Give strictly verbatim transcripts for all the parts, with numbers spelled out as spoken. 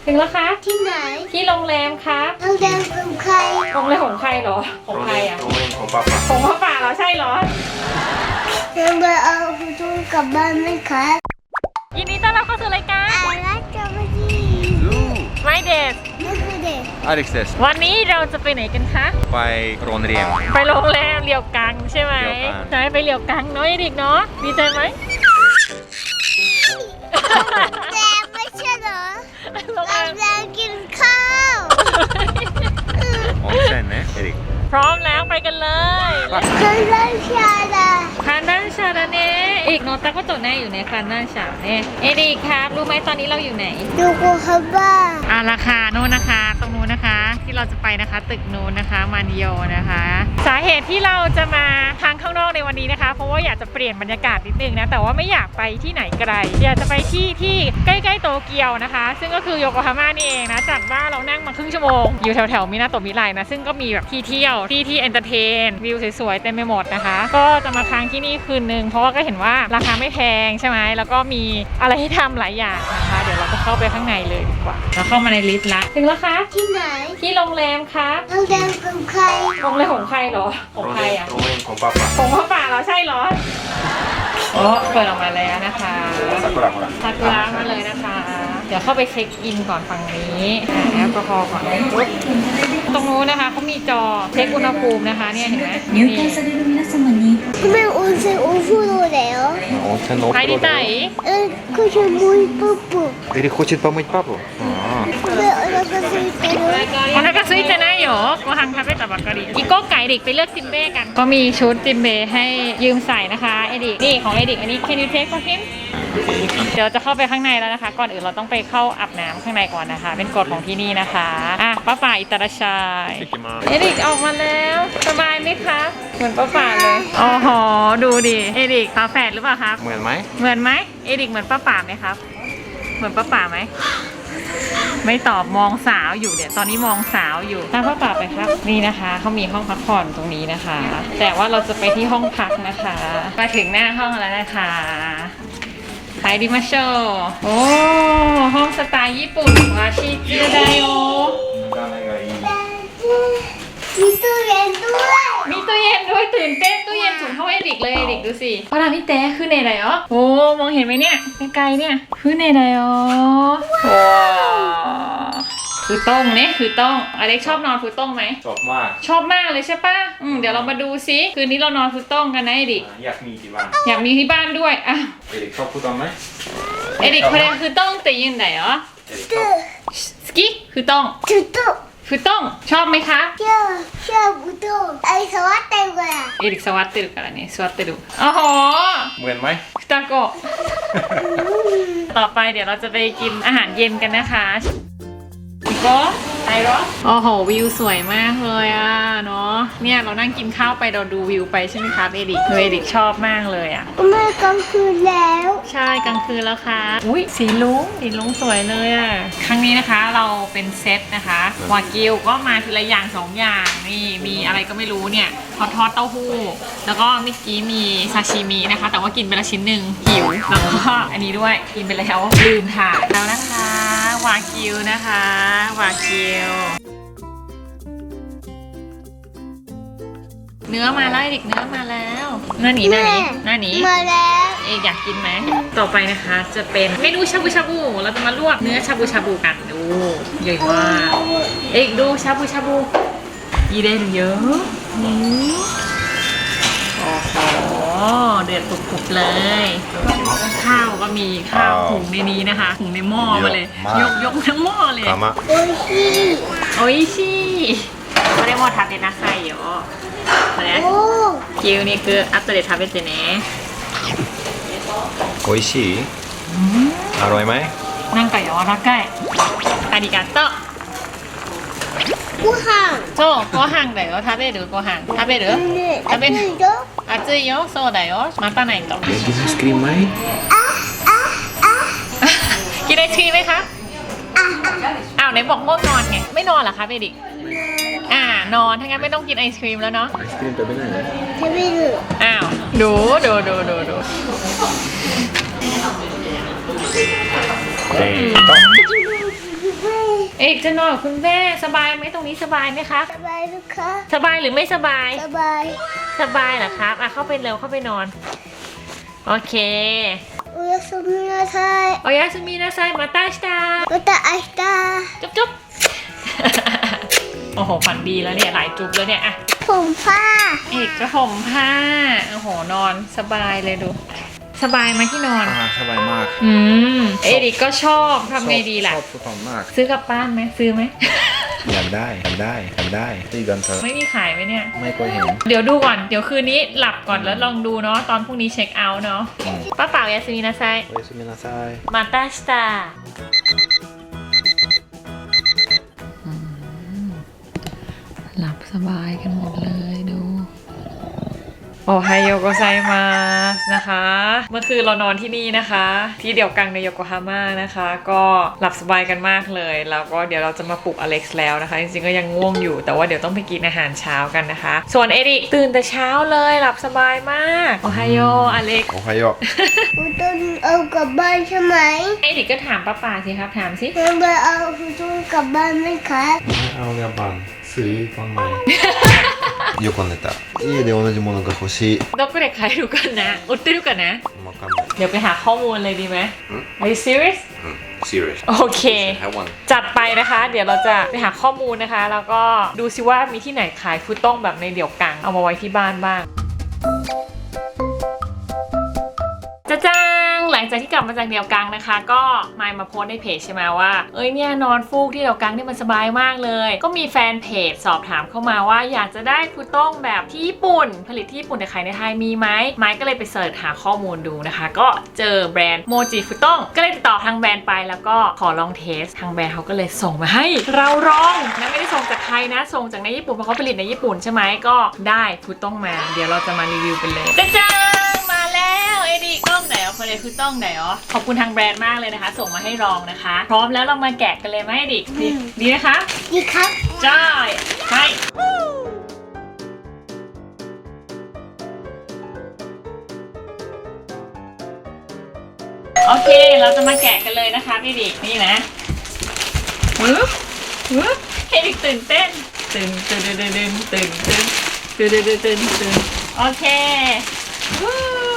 ถึงแล้วคะที่ไหนที่โรงแรมครับโรงแรมของใครโรงแรมของใครเหรอของใครอ่ะโรงแรมของป้าป้าของพ่อป่าเหรอใช่เหรอโรงแรมเอาคุณจูกลับบ้านไหมคะยินดีต้อนรับเข้าสู่รายการอารักจะมาดี My Days นี่คือเด็กอเล็กซ์เดสวันนี้เราจะไปไหนกันคะไปโรงเรียนไปโรงแรมเลียวกังใช่ไหมเลียวกังใช่ไปเลียวกังเนาะเด็กเนาะดีใจไหมแต่ไม่ใช่เหรอโรงแรเรามแรงกินข้าว温泉ねエリックพร้อมแล้วไปกันเลยเคยเล่นชาดาคานด้านชาดาเน่อีกโนตาก็โตแน่อยู่ในคานด้านชาเน่เอดีครับรู้ไหมตอนนี้เราอยู่ไหนดูกูฮับบ้าอ่าราคาโน่นนะคะ ตรงนู้นนะคะ ที่เราจะไปนะคะ ตึกนู้นนะคะมานโยนะคะ สาเหตุที่เราจะมาทางข้างนอกในวันนี้นะคะ เพราะว่าอยากจะเปลี่ยนบรรยากาศนิดนึงนะแต่ว่าไม่อยากไปที่ไหนไกลอยากจะไปที่ที่ใกล้ๆโตเกียวนะคะ ซึ่งก็คือโยโกฮาม่านี่เองนะจากบ้านเรานั่งมาครึ่งชั่วโมงอยู่แถวๆมินาโตะมิไรนะซึ่งก็มีแบบที่เที่ยวที่ที่เอนเตอร์เทนวิวสวยๆเต็มไปหมดนะคะ ก็จะมาค้างที่นี่คืนนึงเพราะว่าก็เห็นว่าราคาไม่แพงใช่ไหมแล้วก็มีอะไรให้ทำหลายอย่างนะคะเดี๋ยวเราจะเข้าไปข้างในเลยดีกว่าเราเข้ามาในลิฟต์ละถึงแล้วคะที่ไหนที่โรงแรมครับโรงแรมของใครโรงแรมของใครเหรอของใครอ่ะโรงเรียนของป้าป้าของพ่อป่าเหราใช่เหรอโอ้เปิดออกมาแล้วนะคะซากุระほらซากุระมาเลยนะคะ เดี๋ยวเข้าไปเช็คอินก่อนฝั่งนี้อ่าแอลกอฮอล์ก่อนปุ๊บตรงนู้นนะคะเขามีจอเช็คอุณหภูมินะคะเนี่ยเห็นไหมนี่入会される皆様にทำไม温泉お風呂だよ温泉のお風呂入りたいえこれもう一歩歩エリックхочет помыть папу これお腹空いてるお腹空いてないよご飯食べたばっかりอีโก้ไก่ดิกไปเลือกจิมเบ้กัน ก็มีชุดจิมเบ้ให้ยืมใส่นะคะเอดิกนี่ของเอดิกอันนี้ can you take for him เดี๋ยวจะเข้าไปข้างในแล้วนะคะ ก่อนอื่นเราต้องไปเข้าอาบน้ำข้างในก่อนนะคะ เป็นกฎของที่นี่นะคะอ่ะป้าป่าอิตาราชายเอดิกออกมาแล้วสบายไหมคะเหมือนป้าป่าเลยอ๋อหอดูดิเอดิกฝาแฝดหรือเปล่าครับเหมือนไหมเหมือนไหมเอดิกเหมือนป้าป่าไหมครับ เหมือนป้าป่าไหมไม่ตอบมองสาวอยู่เดี๋ยวตอนนี้มองสาวอยู่ตามป้าป่าไปครับนี่นะคะเขามีห้องพักผ่อนตรงนี้นะคะ แต่ว่าเราจะไปที่ห้องพักนะคะมาถึงหน้าห้องแล้วนะคะไปดิมาโชโอ้ห้องสไตล์ญี่ปุ่นวาชิจิไดโอ見た目がいいมีตู้เย็นด้วยมีตู้เย็นด้วยตื่นเต้นตู้เย็นสูงเท่าเอริกเลยเอริกดูสิพระรามพี่แต้คือในไหนอ๋อโอ้มองเห็นไหมเนี่ยไกลๆเนี่ยคือในไหนอ๋อว้าวคือต้องเนี่ยคือต้องอเล็กชอบนอนคือต้องไหมชอบมากชอบมากเลยใช่ปะอืมเดี๋ยวเรามาดูซิคืนนี้เรานอนคือต้องกันนะเอริกอยากมีที่บ้านอยากมีที่บ้านด้วยอ่ะเอริกชอบพูดตอนไหมเอริกこれคือต้องแต่ยืนไหนอ๋อเอริกชตู้อบสกิคือต้องตู้ตู้คือต้องชอบไหมคะชอบชอบตู้ไอ้สวัสดีกว่าเอริกสวัสดีからね座ってるโอ้โหเหมือนไหมふたโกะ ต่อไปเดี๋ยวเราจะไปกินอาหารเย็นกันนะคะพี่โก้ไปเหรอโอ้โหวิวสวยมากเลยอ่ะเนาะเนี่ยเรานั่งกินข้าวไปเราดูวิวไปใช่ไหมครับเอดิกเอดิกชอบมากเลยอ่ะเมื่อกลางคืนแล้วใช่กลางคืนแล้วค่ะอุ้ยสีลุ้งสีลุ้งสวยเลยอ่ะครั้งนี้นะคะเราเป็นเซตนะคะวากิวก็มาทีละอย่างสองอย่างนี่มีอะไรก็ไม่รู้เนี่ยทอดทอดเต้าหู้แล้วก็เมื่อกี้มีซาชิมินะคะ แต่ว่ากินไปละชิ้นหนึ่งหิวแล้วก็อันนี้ด้วยกินไปแล้วลืมถ่ายแล้วนะคะวากิวนะคะวากิวเนื้อมาแล้วเด็กเนื้อมาแล้วหน้าหนีหน้าหนีหน้าหนีมาแล้วเอกอยากกินไหม ต่อไปนะคะจะเป็นเมนูชาบูชาบู เราจะมาลวกเนื้อชาบูชาบูกันดูใหญ่มากเอกดูชาบูชาบูยีเดนเยอะนี่โอ้โหเดือดปุบๆเลย ข้าวก็มีข้าวหุงในนี้นะคะหุงในหม้อมาเลย ยกยกทั้งหม้อเลยかまโอ้ยชีโอ้ยชิこれも食べなさいよこれโอ้牛肉後で食べてね美味しいอร่อยไหมなんか柔らかいありがとうご飯そうご飯だよ食べるご飯食べるね食べる熱いよ熱いよそうだよ待たないとกินไอศกรีมไหมกินไอศครีมไหมครับอ้าวไหนบอกง่วงนอนไงไม่นอนเหรอคะเบดิกอ่านอนถ้างั้นไม่ต้องกินไอศครีมแล้วเนาะไอศกรีม食べないの食べるอ้าวดูดูดูดูดูเด็กเอกจะนอนกับคุณแม่สบายไหมตรงนี้สบายไหมคะสบายลูกคะสบายหรือไม่สบายสบายสบายเหรอครับอ่ะเข้าไปเร็วเข้าไปนอน โอเคおやすみなさいโอยาสุมินาไซมาตาชิตาまた明日จุ๊บจุ๊บ โอ้โหฝันดีแล้วเนี่ยหลายจุ๊บแล้วเนี่ยอะผมผ้าเอกจะห่มผ้าโอ้โหนอนสบายเลยดู สบายไหมที่นอนอ่าสบายมากอืมเอริกก็ชอบทำไงดีล่ะชอบฟุตบอลมากซื้อกลับบ้านไหมซื้อไหมอยากได้อยากได้อยากได้ตีกันเถอะไม่มีขายไหมเนี่ยไม่เคยเห็นเดี๋ยวดูก่อนเดี๋ยวคืนนี้หลับก่อนแล้วลองดูเนาะตอนพรุ่งนี้เช็คเอาท์เนาะอืมป้าเป่ายาสมินาไซโอやすみなさいมาตาสตาหลับสบายกันหมดเลยดูโอไฮโอโกไซมาสนะคะ เมื่อคืนเรานอนที่นี่นะคะ ที่เดียวกันในโยโกฮาม่านะคะ ก็หลับสบายกันมากเลยแล้วก็เดี๋ยวเราจะมาปลุกอเล็กซ์แล้วนะคะ จริงๆก็ยังง่วงอยู่แต่ว่าเดี๋ยวต้องไปกินอาหารเช้ากันนะคะ ส่วนเอริกตื่นแต่เช้าเลยหลับสบายมากโอไฮโออเล็กซ์โอไฮโอคุณต้องเอากลับบ้านใช่ไหมเอริกก็ถามป้าป่าสิครับถามสิคุณต้องเอาคุณต้องกลับบ้านไหมคะไม่เอากลับบ้านซื้อฟังไหมよく寝た家で同じものが欲しいดอกก็เด็กใครดูกันนะอุดติดูกันนะわかんないเดี๋ยวไปหาข้อมูลเลยดีไหม Are you serious うん serious โอเค have one จัดไปนะคะ เดี๋ยวเราจะไปหาข้อมูลนะคะ แล้วก็ดูซิว่ามีที่ไหนขายฟูต้งแบบในเดี่ยวกังเอามาไว้ที่บ้านบ้างจะจ้างหลังจากที่กลับมาจากเดี่ยวกังนะคะ ก็มายมาโพสในเพจใช่ไหมว่าเอ้ยเนี่ยนอนฟูกที่เดี่ยวกังเนี่ยมันสบายมากเลย ก็มีแฟนเพจสอบถามเข้ามาว่าอยากจะได้ฟูต้งแบบที่ญี่ปุ่น ผลิตที่ญี่ปุ่นแต่ขายในไทยมีไหมไม้ก็เลยไปเสิร์ชหาข้อมูลดูนะคะ ก็เจอแบรนด์โมจิฟูต้งก็เลยติดต่อทางแบรนด์ไปแล้วก็ขอลองเทสทางแบรนด์เขาก็เลยส่งมาให้เราลองนะไม่ได้ส่งจากไทยนะส่งจากในญี่ปุ่นเพราะเขาผลิตในญี่ปุ่นใช่ไหมก็ได้ฟูต้งมาเดี๋ยวเราจะมารีวิวกันเลยจะจ้างมาแล้วเอดีกล้องไหนอ๋อคนเลยฟูต้งไหนอ๋อขอบคุณทางแบรนด์มากเลยนะคะ ส่งมาให้ลองนะคะ พร้อมแล้วเรามาแกะกันเลยไหมดิดีดีนะคะดีครับจ้าใช่โอเคเราจะมาแกะกันเลยนะคะพี่ดินี่นะวึบวึบให้ดิตื่นเต้นตื่นตื่นตื่นตื่นตื่นตื่นตื่นตื่นตื่นตื่นตื่นโอเควู้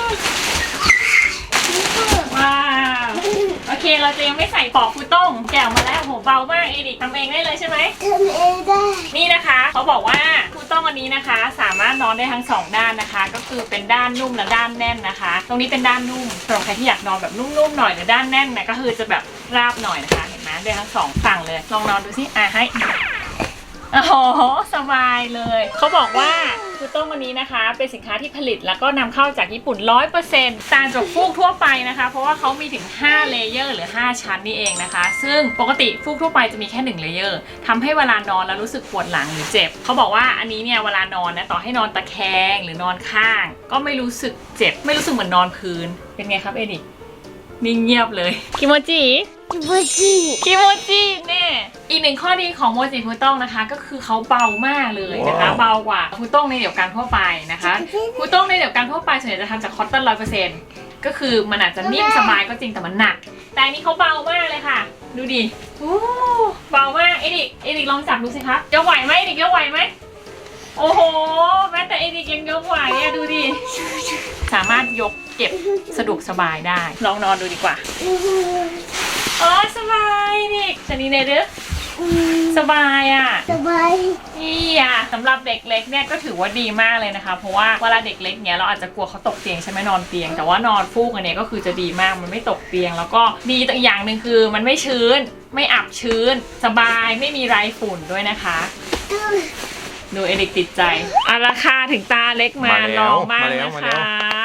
ว้าวโอเคเราจะยังไม่ใส่ปอกฟูต้งแกะออกมาแล้วโหเบามากเอดิทำเองได้เลยใช่ไหมทำเองได้นี่นะคะเขาบอกว่าฟูต้งอันนี้นะคะ สามารถนอนได้ทั้งสองด้านนะคะ ก็คือเป็นด้านนุ่มและด้านแน่นนะคะ ตรงนี้เป็นด้านนุ่มสำหรับใครที่อยากนอนแบบนุ่มๆหน่อยหรือด้านแน่นนะก็คือจะแบบราบหน่อยนะคะเห็นไหมได้ทั้งสองฝั่งเลยลองนอนดูสิอ่ะให้โอ้โหสบายเลยเขาบอกว่าฟูต้งอันนี้นะคะ เป็นสินค้าที่ผลิตแล้วก็นำเข้าจากญี่ปุ่น ร้อยเปอร์เซ็นต์ ต่างจากฟูกทั่วไปนะคะ เพราะว่าเขามีถึงห้าเลเยอร์หรือห้าชั้นนี่เองนะคะ ซึ่งปกติฟูกทั่วไปจะมีแค่หนึ่งเลเยอร์ทำให้เวลานอนแล้วรู้สึกปวดหลังหรือเจ็บเขาบอกว่าอันนี้เนี่ยเวลานอนนะต่อให้นอนตะแคงหรือนอนข้าง ก็ไม่รู้สึกเจ็บไม่รู้สึกเหมือนนอนพื้นเป็นไงครับเอดินิ่งเงียบเลยคิโมจิจิบุจิคิโมจิแน่อีกหนึ่งข้อดีของโมจิฟูต้งนะคะ ก็คือเขาเบามากเลยนะคะว้าวเบากว่าฟูต้งในเดี่ยวกันทั่วไปนะคะฟูต้งในเดี่ยวกันทั่วไปส่วนใหญ่จะทำจากคอตตอนร้อยเปอร์เซ็นต์ก็คือมันอาจจะนิ่มสบายก็จริงแต่มันหนัก แต่อันนี้เขาเบามากเลยค่ะ ดูดิโอ้เบามากเอดิกเอดิกลองจับดูสิคะยกไหวไหมเอดิกยกไหวไหมโอ้โหแม้แต่เอดิกยังยกไหวอะดูดิสามารถยกเก็บสะดวกสบายได้ลองนอนดูดีกว่าอ๋อสบายดิชนีเนเดอสบายอ่ะสบายนี่อ่ะสำหรับเด็กเล็กเนี่ยก็ถือว่าดีมากเลยนะคะ เพราะว่าเวลาเด็กเล็กเนี่ยเราอาจจะกลัวเขาตกเตียงใช่ไหมนอนเตียง แต่ว่านอนฟูกอันเนี้ยก็คือจะดีมากมันไม่ตกเตียง แล้วก็ดีอีกอย่างหนึ่งคือมันไม่ชื้น ไม่อับชื้น สบายไม่มีไรฝุ่นด้วยนะคะดูเอริกติดใจอ่ะราคาถึงตาเล็กมาลองบ้างนะคะ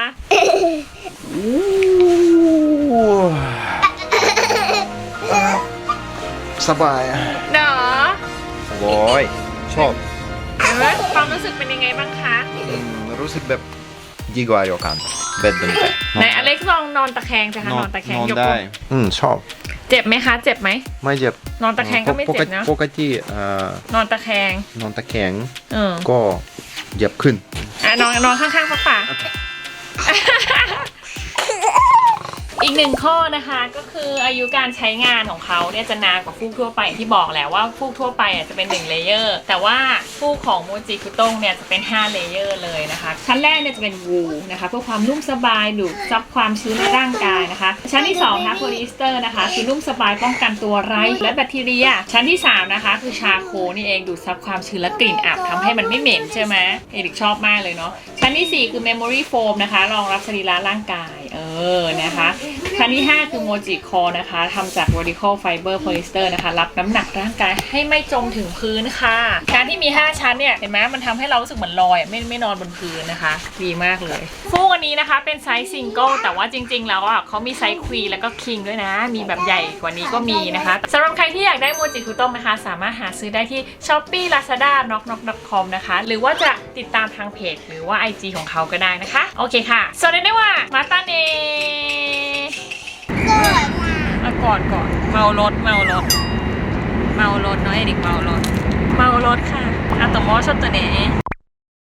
สบายเนาะโว้ยชอบเห็นไหมความรู้สึกเป็นยังไงบ้างคะอืมรู้สึกแบบดีกว่าโยกันเบ็ดเป็นแบบไหนอเล็กซ์ลองนอนตะแคงสิคะนอนตะแคงนอนยกได้อืมชอบเจ็บไหมคะ เจ็บไหมไม่เจ็บนอนตะแคงก็ไม่เจ็บนะปกติเอ่อนอนตะแคงนอนตะแคงเออก็เหยียบขึ้นอ่ะนอนนอนข้างๆป้าป่า เอีกหนึ่งข้อนะคะก็คืออายุการใช้งานของเขาเนี่ยจะนานกว่าฟูกทั่วไปที่บอกแล้วว่าฟูกทั่วไปอ่ะจะเป็นหนึ่งเลเยอร์แต่ว่าฟูกของโมจิคุต้งเนี่ยจะเป็นห้าเลเยอร์เลยนะคะชั้นแรกเนี่ยจะเป็นวูลนะคะเพื่อความนุ่มสบายดูดซับความชื้นในร่างกายนะคะชั้นที่สองนะคะโพลีเอสเตอร์นะคะคือนุ่มสบายป้องกันตัวไรและแบคทีเรียชั้นที่สามนะคะคือชาโคนี่เองดูดซับความชื้นและกลิ่นอับทำให้มันไม่เหม็นใช่ไหมเอริกชอบมากเลยเนาะชั้นที่สี่คือ Memory Foam นะคะรองรับสรีระร่างกายเออนะคะชั้นที่ห้าคือ Moji Core นะคะทำจาก Vertical Fiber Polyester นะคะรับน้ำหนักร่างกายให้ไม่จมถึงพื้นค่ะการที่มีห้าชั้นเนี่ยเห็นไหมมันทำให้เรารู้สึกเหมือนลอยไม่ไม่นอนบนพื้นนะคะดีมากเลยฟูกอันนี้นะคะเป็นไซส์ซิงเกิลแต่ว่าจริงๆแล้วอ่ะเขามีไซส์ควีนแล้วก็คิงด้วยนะมีแบบใหญ่กว่านี้ก็มีนะคะสำหรับใครที่อยากได้โมจิคุต้งนะคะสามารถหาซื้อได้ที่ Shopee Lazada knock knock dot com นะคะหรือว่าจะติดตามทางเพจหรือว่า ไอ จี ของเขาก็ได้นะคะโอเคค่ะสวัสดีได้ว่ามาตาเนสวยมาก่อนก่อนเมารถเมารถเมารถเนาะเอดิกเมารถเมารถค่ะอะโตโมชอบตัวนี้